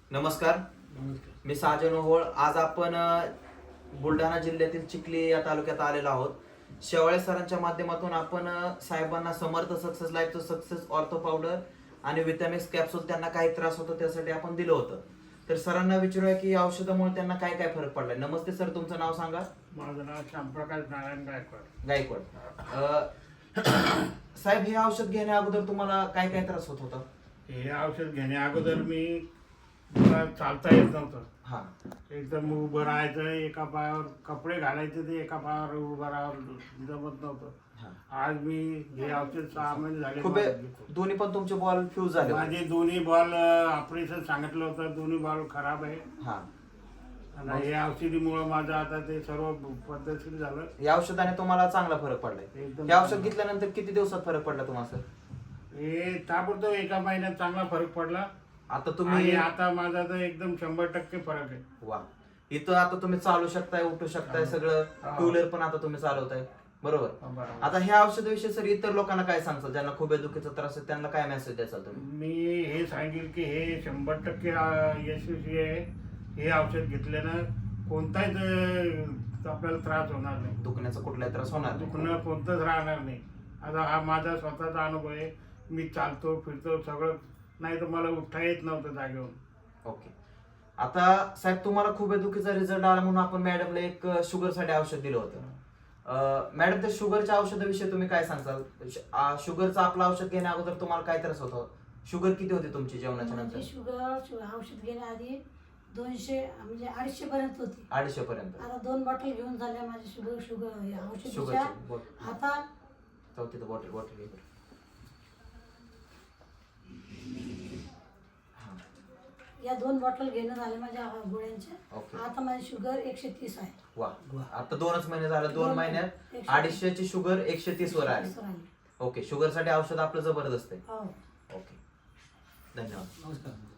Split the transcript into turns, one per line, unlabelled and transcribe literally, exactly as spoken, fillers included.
नमस्कार, मी साजन ओहोळ. आज आपण अ, बुलढाणा जिल्ह्यातील चिखली या तालुक्यात आलेलो आहोत. शेवाळे सरांच्या माध्यमातून आपण अ, साहेबांना समर्थ सक्सेस लाईफचं सक्सेस ऑर्थो पावडर आणि विटॅमिक्स कॅप्सूल त्यांना काही त्रास होतो त्यासाठी आपण दिलं होतं. तर सरांना विचारूया की या औषधामुळे त्यांना काय काय फरक पडलाय. नमस्ते सर, तुमचं नाव सांगा.
माझं नाव श्यामप्रकाश नारायण गायकवाड.
गायकवाड. अ, साहेब, हे औषध घेण्या अगोदर तुम्हाला काय काय त्रास होत होता?
हे औषध घेण्या अगोदर मी मला चालता येत नव्हतं.
हा,
एकदम उभं राहायचं, एका पायावर कपडे घालायचे ते एका पायावर उभं राहावं जमत नव्हतं.
हा.
आज मी हे औषध सहा महिने झाले
खूप
मला घेतो.
दोन्ही पण तुमचे बॉल फ्यूज झाले होते.
माझे दोन्ही बॉल ऑपरेशन सांगितलं होतं, दोन्ही बॉल खराब आहे.
हा,
आणि हे औषधीमुळे माझं आता ते सर्व पद्धतशीर झालं.
या औषधाने तुम्हाला चांगला फरक पडलाय.
एकदम
हे औषध घेतल्यानंतर किती दिवसात फरक पडला तुम्हाला सर?
हे ताबडतोब एका महिन्यात चांगला फरक पडला.
आता
आणि
तुम्ही
आता माझा तर एकदम शंभर टक्के फरक आहे.
वा, इथं आता तुम्ही चालू शकताय, उठू शकताय,
हा.
सगळं
हा.
टू व्हीलर पण आता तुम्ही चालवताय, बरोबर?
बरोबर.
आता ह्या औषधाविषयी सर इतर लोकांना काय सांगताल, ज्यांना खूप दुखीचा त्रास आहे त्यांना काय मेसेज द्याल तुम्ही?
मी हे सांगेल की हे शंभर टक्के अं, यशस्वी आहे. हे औषध घेतल्यानं कोणताच अं, आपल्याला त्रास होणार नाही.
दुखण्याचा कुठलाही त्रास होणार नाही.
दुखणं कोणतंच राहणार नाही. आता हा माझा स्वतःचा अनुभव आहे. मी चालतो फिरतो सगळं, नाही तर मला उठता येत नव्हतं जागेवरून.
ओके. आता साहेब, तुम्हाला खूप दुखीचा रिझल्ट आला म्हणून आपण मॅडमला एक शुगर साठी औषध दिलं होतं. अं, मॅडम, त्या शुगरच्या औषधाविषयी तुम्ही काय सांगताल? श- आ, शुगरचं आपलं औषध घेण्या अगोदर तुम्हाला काय त्रास होता? शुगर किती होती तुमची जेवणाच्या नंतर?
माझी शुगर शु- औषध घेण्याआधी दोनशे म्हणजे अडीचशे पर्यंत होती.
अडीचशे पर्यंत.
आता दोन बॉटल घेऊन झाल्या माझी शुगर शुगर हे औषधीच्या.
शुगरची बॉटल.
आता
चौथी बॉटल बॉटल घे बरं. हा,
या दोन बॉटल घेणं झाले माझ्या गोळ्यांच्या.
ओके.
आता माझी शुगर एकशे तीस आहे.
वा, आता दोनच महिने झाले, दोन
दोन
महिन्यात
एकशे-
अडीचशेची शुगर एकशे तीस वर आली.
एकशे तीस वर आली.
ओके, शुगर साठी औषध आपलं जबरदस्त आहे.
हो.
ओके, धन्यवाद.
नमस्कार.